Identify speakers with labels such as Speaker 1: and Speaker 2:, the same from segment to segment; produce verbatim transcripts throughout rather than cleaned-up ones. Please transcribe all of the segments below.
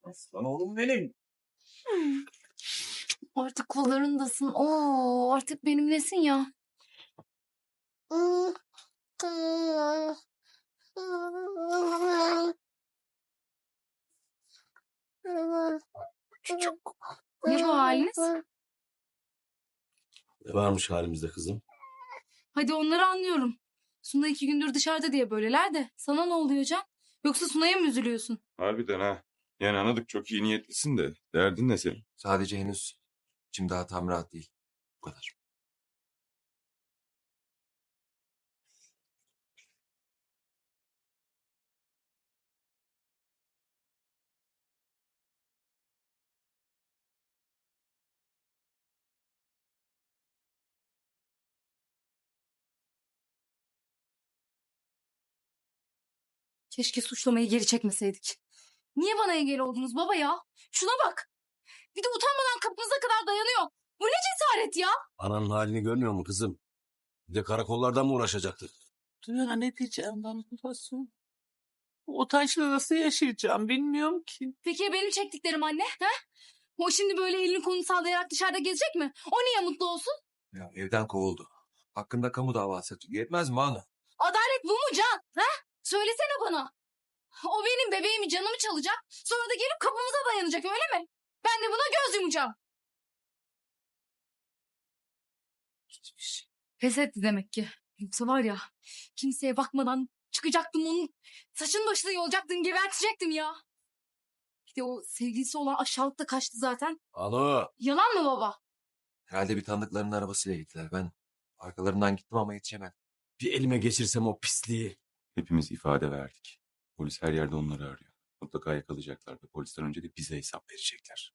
Speaker 1: Aslan oğlum benim.
Speaker 2: Artık kollarındasın. Oo, artık benimlesin ya. Ne bu haliniz?
Speaker 1: Ne varmış halimizde kızım?
Speaker 2: Hadi onları anlıyorum. Suna iki gündür dışarıda diye böyleler de. Sana ne oluyor Can? Yoksa Suna'ya mı üzülüyorsun?
Speaker 3: Harbiden ha. Yani anladık, çok iyi niyetlisin de. Derdin ne senin?
Speaker 4: Sadece henüz içim daha tam rahat değil. Bu kadar.
Speaker 2: Keşke suçlamayı geri çekmeseydik. Niye bana engel oldunuz baba ya? Şuna bak. Bir de utanmadan kapınıza kadar dayanıyor. Bu ne cesaret ya?
Speaker 1: Ananın halini görmüyor mu kızım? Bir de karakollardan mı uğraşacaktık?
Speaker 5: Duyana ne diyeceğim ben babası? Bu utançla nasıl yaşayacağım bilmiyorum ki.
Speaker 2: Peki ya benim çektiklerim anne? He? O şimdi böyle elini kolunu sallayarak dışarıda gezecek mi? O niye mutlu olsun?
Speaker 4: Ya evden kovuldu. Hakkında kamu davası açıldı. Yetmez mi Banu?
Speaker 2: Adalet bu mu Can? He? Söylesene bana. O benim bebeğimi, canımı çalacak. Sonra da gelip kapımıza dayanacak, öyle mi? Ben de buna göz yumacağım. Hiçbir şey. Pes etti demek ki. Yoksa var ya, kimseye bakmadan çıkacaktım onun saçını başını yolacaktım, gebertecektim ya. Bir de o sevgilisi olan aşağılık da kaçtı zaten.
Speaker 1: Alo.
Speaker 2: Yalan mı baba?
Speaker 4: Herhalde bir tanıdıklarının arabasıyla gittiler. Ben arkalarından gittim ama yetişemedim.
Speaker 1: Bir elime geçirsem o pisliği.
Speaker 3: Hepimiz ifade verdik. Polis her yerde onları arıyor. Mutlaka yakalayacaklar ve polisten önce de bize hesap verecekler.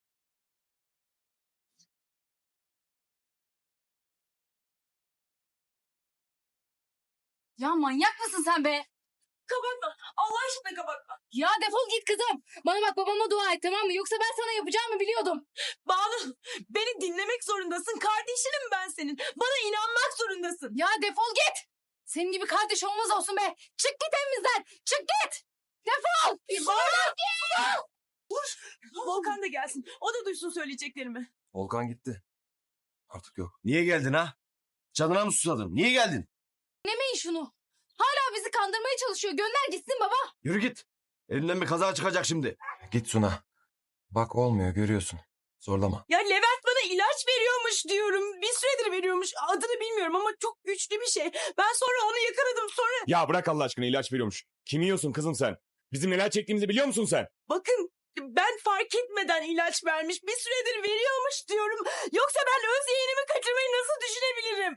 Speaker 2: Ya manyak mısın sen be? Kapatma. Allah aşkına kapatma. Ya defol git kızım. Bana bak, babama dua et, tamam mı? Yoksa ben sana yapacağımı biliyordum.
Speaker 6: Banu, beni dinlemek zorundasın. Kardeşinim ben senin. Bana inanmak zorundasın.
Speaker 2: Ya defol git. Senin gibi kardeş olmaz olsun be. Çık git evimizden. Çık git. Defol. Bana git.
Speaker 6: Volkan da gelsin. O da duysun söyleyeceklerimi.
Speaker 4: Volkan gitti. Artık yok.
Speaker 1: Niye geldin ha? Canına mı susadın? Niye geldin?
Speaker 2: Dinlemeyin şunu. Hala bizi kandırmaya çalışıyor. Gönder gitsin baba.
Speaker 1: Yürü git. Elinden bir kaza çıkacak şimdi.
Speaker 4: Git Suna. Bak olmuyor görüyorsun. Zorlama.
Speaker 6: Ya Levent bana ilaç veriyormuş diyorum. Bir süredir veriyormuş. Adını bilmiyorum ama çok güçlü bir şey. Ben sonra onu yakaladım. Sonra
Speaker 3: Ya bırak Allah aşkına, ilaç veriyormuş. Kim yiyorsun kızım sen? Bizim neler çektiğimizi biliyor musun sen?
Speaker 6: bakın ben fark etmeden ilaç vermiş. Bir süredir veriyormuş diyorum. Yoksa ben öz yeğenimi kaçırmayı nasıl düşünebilirim?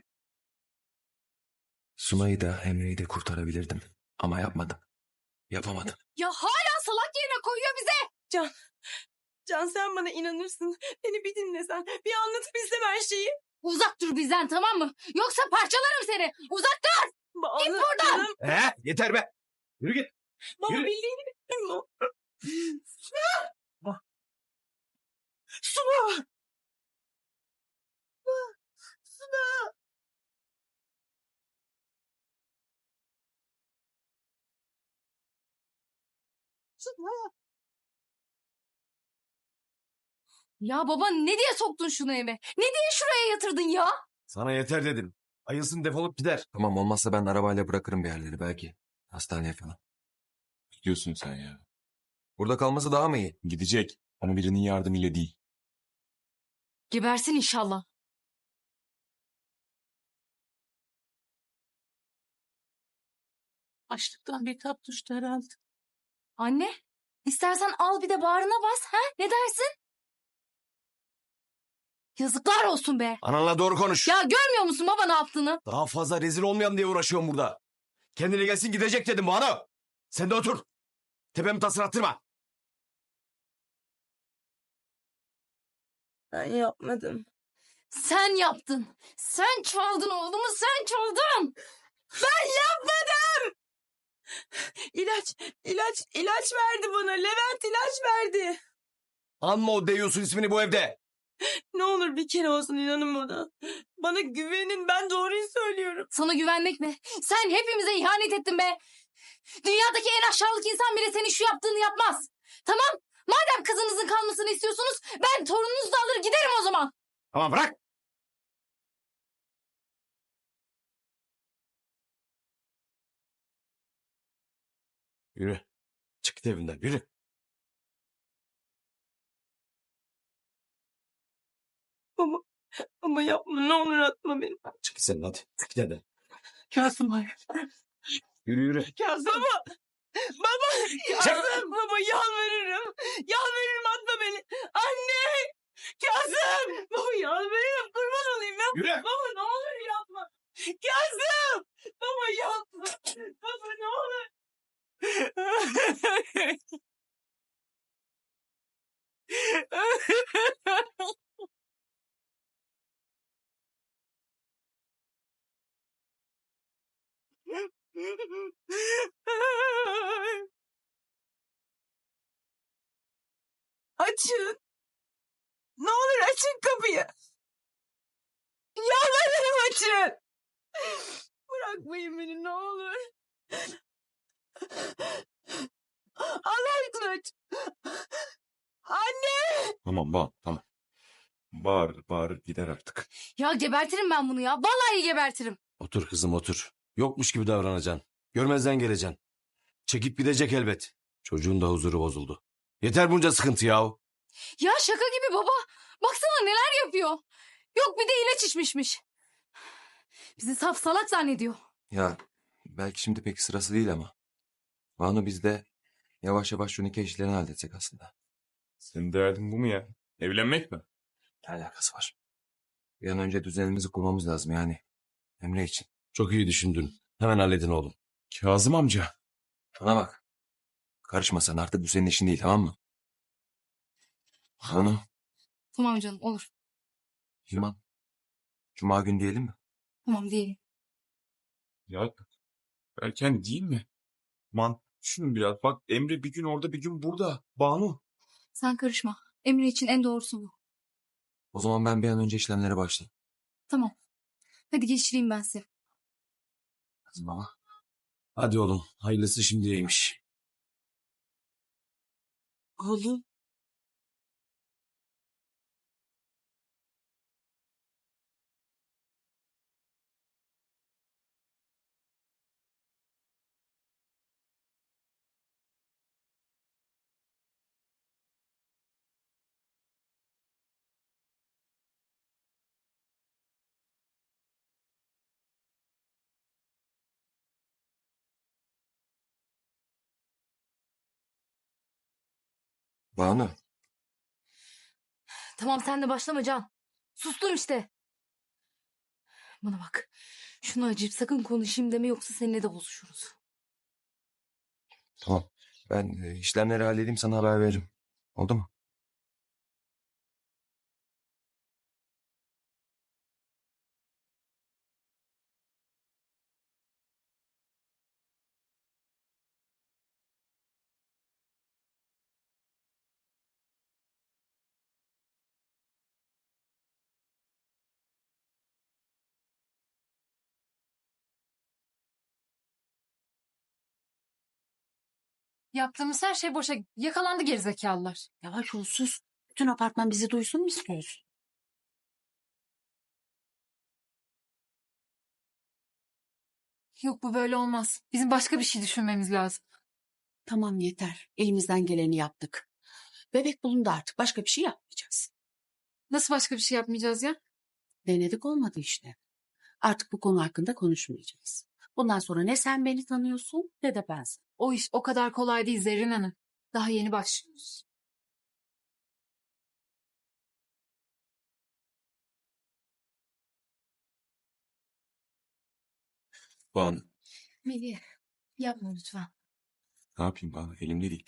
Speaker 4: Suna'yı da Emre'yi de kurtarabilirdim. Ama yapmadım. Yapamadım.
Speaker 2: Ya hala salak yerine koyuyor bize.
Speaker 6: Can, Can sen bana inanırsın. Beni bir dinlesen. Bir anlatıp bilsem her şeyi.
Speaker 2: Uzak dur bizden, tamam mı? Yoksa parçalarım seni. Uzak dur.
Speaker 6: Banu,
Speaker 2: Git buradan.
Speaker 6: canım.
Speaker 1: He? Yeter be. Yürü git.
Speaker 6: Baba
Speaker 1: Yürü.
Speaker 6: bildiğini bilmiyor mu? Suna! Suna! Suna! Suna!
Speaker 2: Ya baba, ne diye soktun şunu eve? Ne diye şuraya yatırdın ya?
Speaker 1: Sana yeter dedim. Ayılsın defolup gider.
Speaker 4: Tamam olmazsa ben arabayla bırakırım bir yerleri belki. Hastaneye falan.
Speaker 3: Gidiyorsun sen ya.
Speaker 4: Burada kalması daha mı iyi?
Speaker 3: Gidecek ama birinin yardımıyla değil.
Speaker 2: Gebersin inşallah.
Speaker 5: Açlıktan bir tap düştü herhalde.
Speaker 2: Anne, istersen al bir de bağrına bas. Ha? Ne dersin? Yazıklar olsun be.
Speaker 1: Ananla doğru konuş.
Speaker 2: Ya görmüyor musun baba ne yaptığını?
Speaker 1: Daha fazla rezil olmayalım diye uğraşıyorum burada. Kendine gelsin gidecek dedim bana. Sen de otur. Tepemi tasını attırma.
Speaker 6: Ben yapmadım.
Speaker 2: Sen yaptın. Sen çaldın oğlumu, sen çaldın.
Speaker 6: Ben yapmadım! İlaç, ilaç, ilaç verdi bana. Levent ilaç verdi.
Speaker 1: Anma o deyiyorsun ismini bu evde.
Speaker 6: Ne olur bir kere olsun inanın bana. Bana güvenin, ben doğruyu söylüyorum.
Speaker 2: Sana güvenmek mi? Sen hepimize ihanet ettin be. Dünyadaki en aşağılık insan bile senin şu yaptığını yapmaz. Tamam, madem kızını yaşamasını istiyorsunuz. Ben torununuzu da alır giderim o zaman.
Speaker 1: Tamam bırak. Yürü. Çık git evinden yürü.
Speaker 6: Baba, baba yapma ne olur atma beni.
Speaker 1: Çık git sen hadi. Çık git evden.
Speaker 5: Kazım hayır.
Speaker 1: Yürü yürü.
Speaker 5: Kazım.
Speaker 6: Baba, baba, Kazım, baba yalvarırım. Yalvarırım atma beni. Anne, Kazım, baba yalvarırım kurban olayım ya.
Speaker 1: Yürü.
Speaker 6: Baba ne olur yapma. Kazım, baba yapma. Baba ne olur. Açın. Ne olur açın kapıyı. Yalvarırım açın. Bırakmayın beni ne olur. Allah aşkına aç. Anne.
Speaker 3: Tamam bağır tamam. Bağır bağır gider artık.
Speaker 2: Ya gebertirim ben bunu ya. Vallahi gebertirim.
Speaker 1: Otur kızım otur. Yokmuş gibi davranacaksın. Görmezden geleceksin. Çekip gidecek elbet. Çocuğun da huzuru bozuldu. Yeter bunca sıkıntı yahu.
Speaker 2: Ya şaka gibi baba. Baksana neler yapıyor. Yok bir de ilaç içmişmiş. Bizi saf salak zannediyor.
Speaker 4: Ya belki şimdi pek sırası değil ama. Banu biz de yavaş yavaş şu nikah işlerini halledecek aslında.
Speaker 3: Senin derdin bu mu ya? Evlenmek mi?
Speaker 4: Ne alakası var? Bir an önce düzenimizi kurmamız lazım yani. Emre için.
Speaker 1: Çok iyi düşündün. Hemen halledin oğlum.
Speaker 3: Kazım amca.
Speaker 4: Bana bak. Karışma sen artık bu senin işin değil tamam mı? Banu,
Speaker 2: Tamam canım olur.
Speaker 4: Yaman. Cuma günü diyelim mi?
Speaker 2: Tamam diyelim.
Speaker 3: Ya erken değil mi? Man düşünün biraz. Bak Emre bir gün orada bir gün burada. Banu.
Speaker 2: Sen karışma. Emre için en doğrusu bu.
Speaker 4: O zaman ben bir an önce işlemlere başlayayım.
Speaker 2: Tamam. Hadi geçireyim ben size.
Speaker 4: Kızım ama.
Speaker 1: Hadi oğlum. Hayırlısı şimdiyeymiş.
Speaker 6: Oğlum.
Speaker 4: Banu.
Speaker 2: Tamam sen de başlama Can. Sustum işte. Bana bak. Şunu acıyıp sakın konuşayım deme yoksa seninle de bozuşuruz.
Speaker 4: Tamam. Ben e, işlemleri halledeyim sana haber veririm. Oldu mu?
Speaker 2: Yaptığımız her şey boşa yakalandı gerizekalılar.
Speaker 7: Yavaş ol sus. Bütün apartman bizi duysun mu istiyorsun?
Speaker 2: Yok bu böyle olmaz. Bizim başka bir şey düşünmemiz lazım.
Speaker 7: Tamam yeter. Elimizden geleni yaptık. Bebek bulundu artık. Başka bir şey yapmayacağız.
Speaker 2: Nasıl başka bir şey yapmayacağız ya?
Speaker 7: Denedik olmadı işte. Artık bu konu hakkında konuşmayacağız. Bundan sonra ne sen beni tanıyorsun ne de ben seni.
Speaker 2: O iş o kadar kolay değil Zerrin Hanım. Daha yeni başlıyoruz.
Speaker 3: Banu.
Speaker 2: Melih yapma lütfen.
Speaker 3: Ne yapayım Banu? Elimde değil.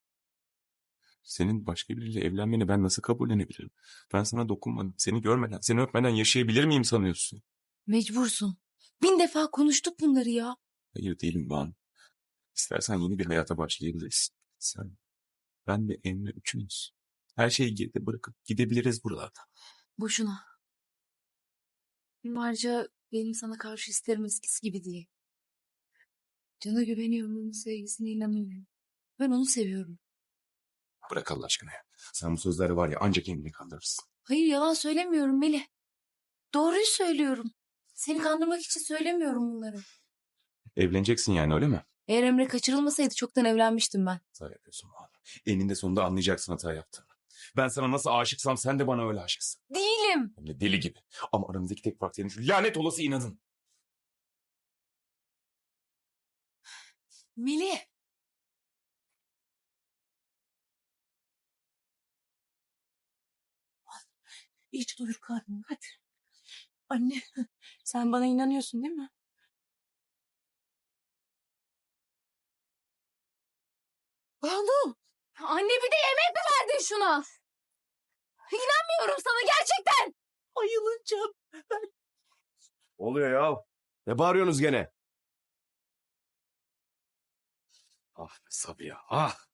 Speaker 3: Senin başka biriyle evlenmeni ben nasıl kabullenebilirim? Ben sana dokunmadım. Seni görmeden, seni öpmeden yaşayabilir miyim sanıyorsun?
Speaker 2: Mecbursun. Bin defa konuştuk bunları ya.
Speaker 3: Hayır değilim Banu. İstersen yeni bir hayata başlayabiliriz. Sen, ben ve Emre üçümüz. Her şeyi geride bırakıp gidebiliriz buralardan.
Speaker 2: Boşuna. Ayrıca benim sana karşı isterim eskisi gibi değil. Can'a güveniyorum, onun sevgisine inanıyorum. Ben onu seviyorum.
Speaker 3: Bırak Allah aşkına ya. Sen bu sözleri var ya ancak kendini kandırırsın.
Speaker 2: Hayır yalan söylemiyorum Melih. Doğruyu söylüyorum. Seni kandırmak için söylemiyorum bunları.
Speaker 3: Evleneceksin yani öyle mi?
Speaker 2: Eğer Emre kaçırılmasaydı çoktan evlenmiştim ben.
Speaker 3: Hata yapıyorsun Banu. Eninde sonunda anlayacaksın hata yaptığını. Ben sana nasıl aşıksam sen de bana öyle aşıksın.
Speaker 2: Değilim.
Speaker 3: Hem de deli gibi. Ama aramızdaki tek fark senin şu lanet olası inadın.
Speaker 2: Melih.
Speaker 6: İyice doyur karnını hadi. Anne sen bana inanıyorsun değil mi? Banu.
Speaker 2: Anne bir de yemek mi verdin şuna? İnanmıyorum sana gerçekten.
Speaker 6: Ayılacağım.
Speaker 1: Oluyor ya. Ne bağırıyorsunuz gene? Ah be Sabiha ah.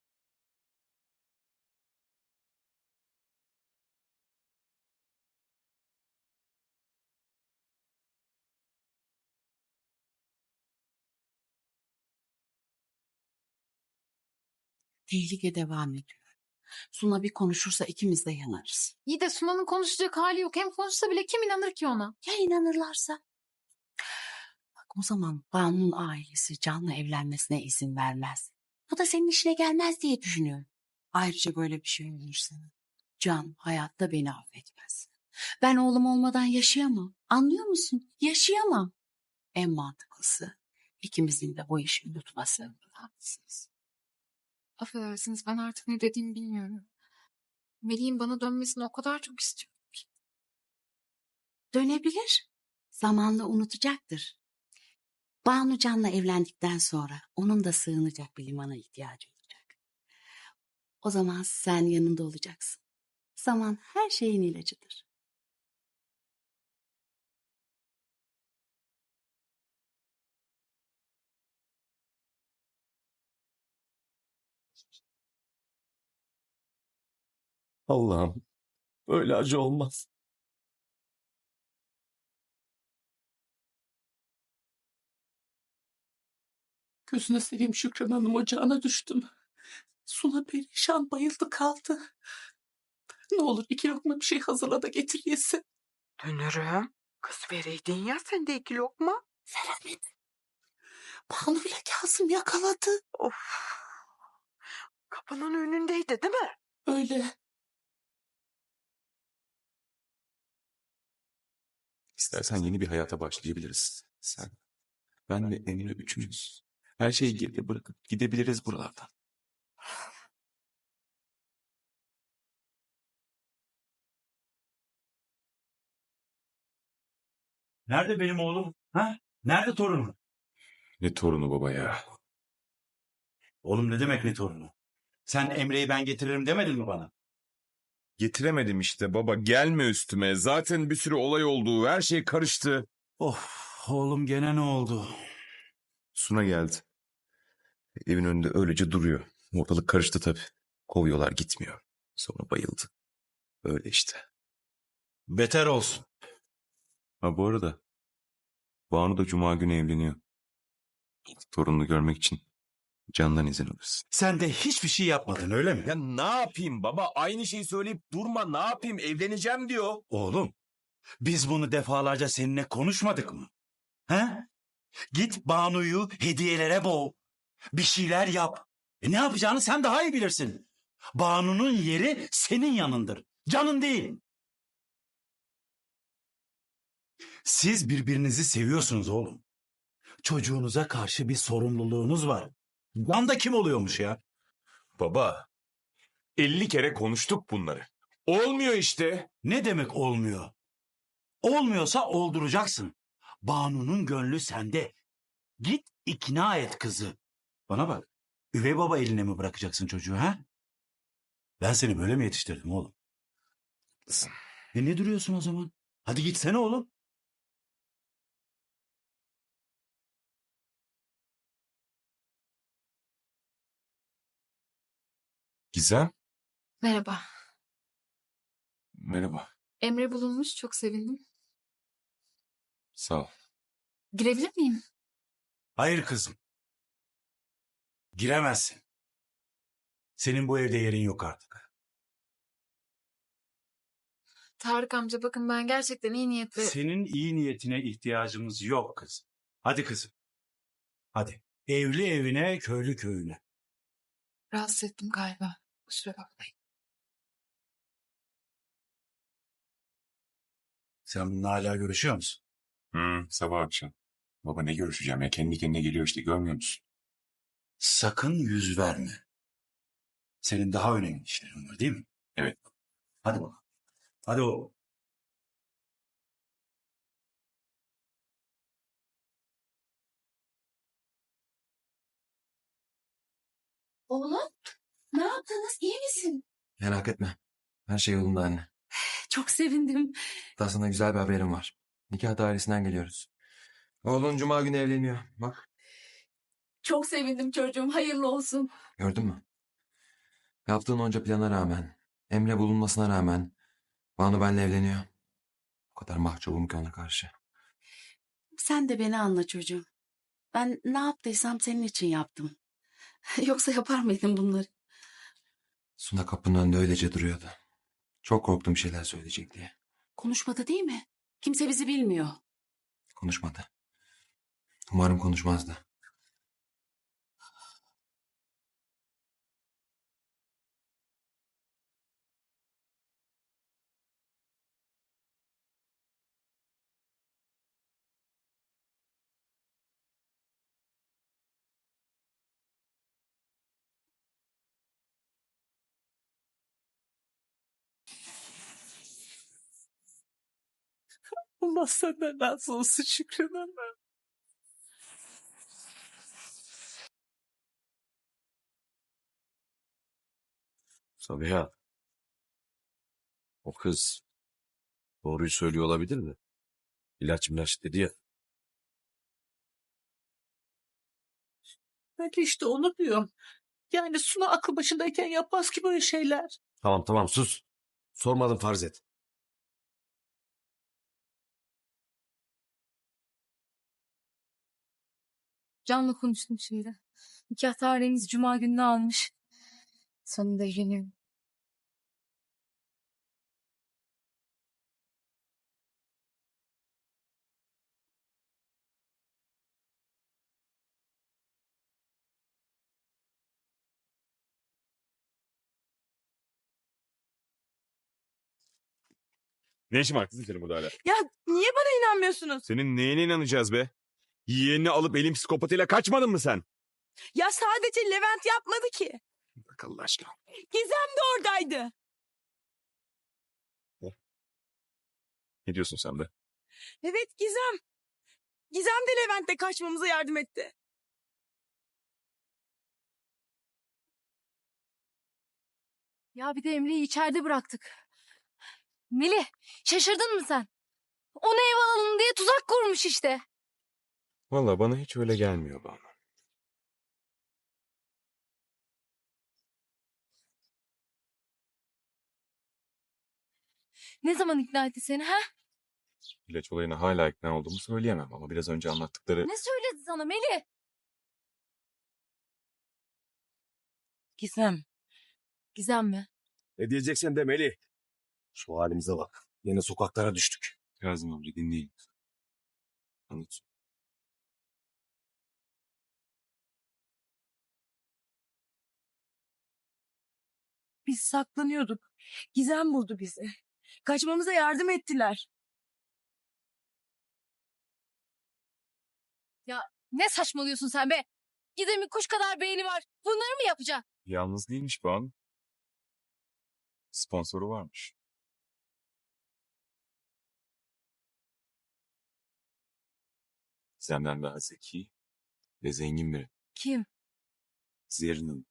Speaker 7: Tehlike devam ediyor. Suna bir konuşursa ikimiz de yanarız.
Speaker 2: İyi de Sunan'ın konuşacak hali yok. Hem konuşsa bile kim inanır ki ona?
Speaker 7: Ya inanırlarsa? Bak o zaman Banu'nun ailesi Can'la evlenmesine izin vermez. Bu da senin işine gelmez diye düşünüyorum. Ayrıca böyle bir şey olursa Can hayatta beni affetmez. Ben oğlum olmadan yaşayamam. Anlıyor musun? Yaşayamam. En mantıklısı ikimizin de bu işi unutması. Haklısınız.
Speaker 2: Affedersiniz ben artık ne dediğimi bilmiyorum. Melih'in bana dönmesini o kadar çok istiyorum ki.
Speaker 7: Dönebilir. Zamanla unutacaktır. Banu Can'la evlendikten sonra onun da sığınacak bir limana ihtiyacı olacak. O zaman sen yanında olacaksın. Zaman her şeyin ilacıdır.
Speaker 3: Allah'ım öyle acı olmaz.
Speaker 5: Gözüne seveyim Şükran Hanım ocağına düştüm. Suna perişan bayıldı kaldı. Ne olur iki lokma bir şey hazırla da getir yesin.
Speaker 6: Dönürüm. Kız vereydin ya sen de iki lokma.
Speaker 5: Veremedim. Banu ile Kazım yakaladı.
Speaker 6: Of. Kapının önündeydi değil mi?
Speaker 5: Öyle.
Speaker 3: İstersen yeni bir hayata başlayabiliriz. Sen, ben ve Emre üçümüz. Her şeyi geride bırakıp gidebiliriz buralardan.
Speaker 8: Nerede benim oğlum? Ha? Nerede torunum?
Speaker 3: Ne torunu baba ya.
Speaker 8: Oğlum ne demek ne torunu? Sen Emre'yi ben getiririm demedin mi bana?
Speaker 3: Getiremedim işte baba, gelme üstüme. Zaten bir sürü olay oldu, her şey karıştı.
Speaker 8: Of oğlum gene ne oldu?
Speaker 3: Suna geldi. Evin önünde öylece duruyor. Ortalık karıştı tabii. Kovuyorlar, gitmiyor. Sonra bayıldı. Öyle işte.
Speaker 8: Beter olsun.
Speaker 3: Ha bu arada Banu da Cuma günü evleniyor. Torununu görmek için Can'dan izin alırsın.
Speaker 8: Sen de hiçbir şey yapmadın öyle mi?
Speaker 1: Ya ne yapayım baba? Aynı şeyi söyleyip durma. Ne yapayım? Evleneceğim diyor.
Speaker 8: Oğlum biz bunu defalarca seninle konuşmadık mı? He? Git Banu'yu hediyelere boğ. Bir şeyler yap. E ne yapacağını sen daha iyi bilirsin. Banu'nun yeri senin yanındır. Canın değil. Siz birbirinizi seviyorsunuz oğlum. Çocuğunuza karşı bir sorumluluğunuz var. Can da kim oluyormuş ya?
Speaker 3: Baba, elli kere konuştuk bunları. Olmuyor işte.
Speaker 8: Ne demek olmuyor? Olmuyorsa olduracaksın. Banu'nun gönlü sende. Git ikna et kızı. Bana bak. Üvey baba eline mi bırakacaksın çocuğu ha? Ben seni böyle mi yetiştirdim oğlum? E ne duruyorsun o zaman? Hadi gitsene oğlum.
Speaker 3: Gizem.
Speaker 2: Merhaba.
Speaker 3: Merhaba.
Speaker 2: Emre bulunmuş çok sevindim.
Speaker 3: Sağ ol.
Speaker 2: Girebilir miyim?
Speaker 8: Hayır kızım. Giremezsin. Senin bu evde yerin yok artık.
Speaker 9: Tarık amca bakın ben gerçekten iyi niyetli...
Speaker 8: Senin iyi niyetine ihtiyacımız yok kızım. Hadi kızım. Hadi. Evli evine, köylü köyüne.
Speaker 9: Rahatsız ettim galiba. Kusura bakmayın.
Speaker 8: Sen bununla hala görüşüyor musun?
Speaker 3: Hı, sabah akşam. Baba ne görüşeceğim ya? Kendi kendine geliyor işte, görmüyor musun?
Speaker 8: Sakın yüz verme. Senin daha önemli işlerin var değil mi?
Speaker 3: Evet.
Speaker 8: Hadi bakalım. Hadi o.
Speaker 7: Oğlum ne yaptınız? İyi misin?
Speaker 4: Merak etme. Her şey yolunda anne.
Speaker 7: Çok sevindim.
Speaker 4: Daha sana güzel bir haberim var. Nikah dairesinden geliyoruz. Oğlun cuma günü evleniyor. Bak
Speaker 7: Çok sevindim çocuğum. Hayırlı olsun.
Speaker 4: gördün mü? Yaptığın onca plana rağmen, Emre bulunmasına rağmen Banu benimle evleniyor. O kadar mahcubum ki ona karşı.
Speaker 7: Sen de beni anla çocuğum. Ben ne yaptıysam senin için yaptım. Yoksa yapar mıydım bunları?
Speaker 4: Suna kapının önünde öylece duruyordu. Çok korktum bir şeyler söyleyecek diye.
Speaker 7: Konuşmadı değil mi? Kimse bizi bilmiyor.
Speaker 4: Konuşmadı. Umarım konuşmazdı.
Speaker 5: Allah senden razı olsun Şükran Hanım.
Speaker 1: Sabiha. O kız doğruyu söylüyor olabilir mi? İlaç milaç dedi ya.
Speaker 5: Ben de işte onu diyorum. Yani Suna aklı başındayken yapmaz ki böyle şeyler.
Speaker 1: Tamam tamam sus. Sormadım farz et.
Speaker 2: Can'la konuştum şimdi. Nikah tarihimiz cuma gününe almış. Sonunda evleniyorum.
Speaker 3: Ne işin var kızım senin burada hala?
Speaker 6: Ya niye bana inanmıyorsunuz?
Speaker 3: Senin neyine inanacağız be? Yeğenini alıp elin psikopatıyla kaçmadın mı sen?
Speaker 6: Ya sadece Levent yapmadı ki.
Speaker 3: Bak Allah aşkına.
Speaker 6: Gizem de oradaydı.
Speaker 3: Ne diyorsun sen be?
Speaker 6: Evet Gizem. Gizem de Levent'le kaçmamıza yardım etti.
Speaker 2: Ya bir de Emre'yi içeride bıraktık. Melih, şaşırdın mı sen? Onu ev alalım diye tuzak kurmuş işte.
Speaker 3: Vallahi bana hiç öyle gelmiyor Banu.
Speaker 2: Ne zaman ikna etti seni ha?
Speaker 3: İlaç olayına hala ikna olduğumu söyleyemem ama biraz önce anlattıkları...
Speaker 2: Ne söyledi sana Melih?
Speaker 6: Gizem.
Speaker 2: Gizem mi?
Speaker 1: Ne diyeceksen de Melih. Şu halimize bak. Yine sokaklara düştük.
Speaker 3: Kazım amca dinleyin. Anlat.
Speaker 6: Biz saklanıyorduk. Gizem buldu bizi. Kaçmamıza yardım ettiler.
Speaker 2: Ne saçmalıyorsun sen be? Gizem'in kuş kadar beyni var. Bunları mı yapacak?
Speaker 3: Yalnız değilmiş Banu. Sponsoru varmış. Senden daha zeki ve zengin biri.
Speaker 2: Kim?
Speaker 3: Zerrin Hanım.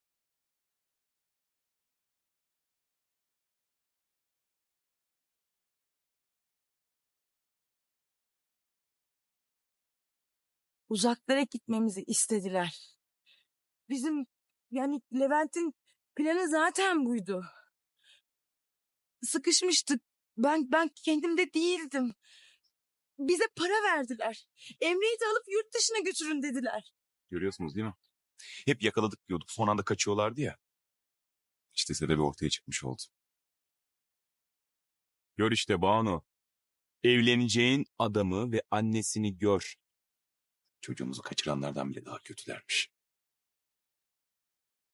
Speaker 6: Uzaklara gitmemizi istediler. Bizim yani Levent'in planı zaten buydu. Sıkışmıştık. Ben ben kendimde değildim. Bize para verdiler. Emre'yi de alıp yurt dışına götürün dediler.
Speaker 3: Görüyorsunuz değil mi? Hep yakaladık diyorduk. Son anda kaçıyorlardı ya. İşte sebebi ortaya çıkmış oldu.
Speaker 10: Gör işte Banu. Evleneceğin adamı ve annesini gör.
Speaker 3: Çocuğumuzu kaçıranlardan bile daha kötülermiş.